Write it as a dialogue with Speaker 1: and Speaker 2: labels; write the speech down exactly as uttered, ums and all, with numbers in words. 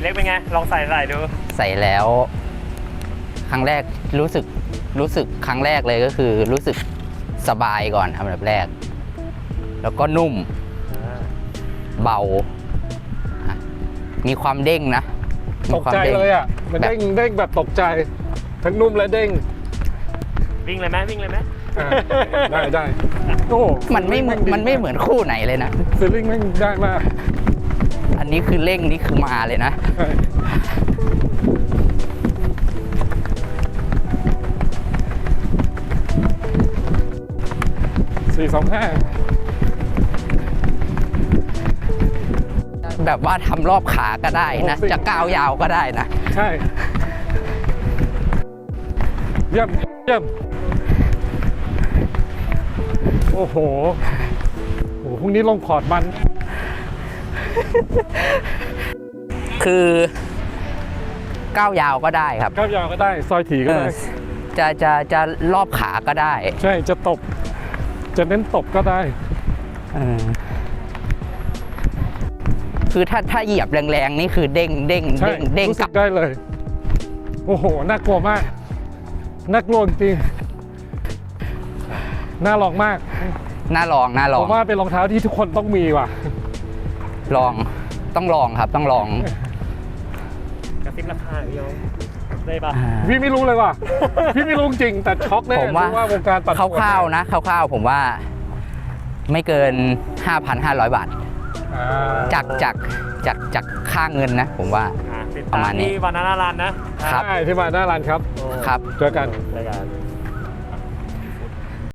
Speaker 1: พี่เล็กเป็นไงลองใส่ใส่ดู
Speaker 2: ใส่แล้วครั้งแรกรู้สึกรู้สึกครั้งแรกเลยก็คือรู้สึกสบายก่อนอันดับแรกแล้วก็นุ่มเบามีความเด้งนะ
Speaker 3: ตกใจเลยอ่ะมันเด้งเด้งแบบตกใจทั้งนุ่มและเด้ง
Speaker 1: วิ่งเลยไหมวิ่งเลยไหม
Speaker 3: ได้ได้โอ้
Speaker 2: มันไม่มันไม่เหมือนคู่ไหนเลยนะ
Speaker 3: ฟีลลิ่งไม่ได้มาก
Speaker 2: อันนี้คือเร่งนี่คือมาเลยนะ
Speaker 3: สี่สองห้า
Speaker 2: แบบว่าทำรอบขาก็ได้นะจะก้าวยาวก็ได้นะ
Speaker 3: ใช่เยี่ยมเยี่ยมโอ้โหโอ้พรุ่งนี้ลงคอร์ดมัน
Speaker 2: คือก้าวยาวก็ได้ครับ
Speaker 3: ก้าวยาวก็ได้ซอยถี่ก็ได้
Speaker 2: จะจะจะรอบขาก็ได้
Speaker 3: ใช่จะตบจะเน้นตบก็ได้
Speaker 2: คือถ้าถ้าเหยียบแรงๆนี่คือเด้งเด้งเด้งเด้ง
Speaker 3: รู้สึกได้เลยโอ้โหน่ากลัวมากน่ากลัวจริงน่าลองมาก
Speaker 2: น่าลองน่าลอง
Speaker 3: ผมว่าเป็นรองเท้าที่ทุกคนต้องมีว่ะ
Speaker 2: ลองต้องลองครับต้องลอง
Speaker 1: กระซิบราคาพี่ยงได้ปะ
Speaker 3: พี่ไม่รู้เลยว่ะพี่ไม่รู้จริงแต่ช็อกแน่
Speaker 2: ผมว่าว
Speaker 3: งการตัด
Speaker 2: คร่าวๆนะคร่าวๆผมว่าไม่เกิน ห้าพันห้าร้อย บาทจากจากจากจากค่าเงินนะผมว่าประมาณนี้
Speaker 1: ที่บานาน่ารันนะครับ
Speaker 3: ที่บานาน่ารันครับ
Speaker 2: ครับ
Speaker 3: เจอกัน
Speaker 1: เจอกัน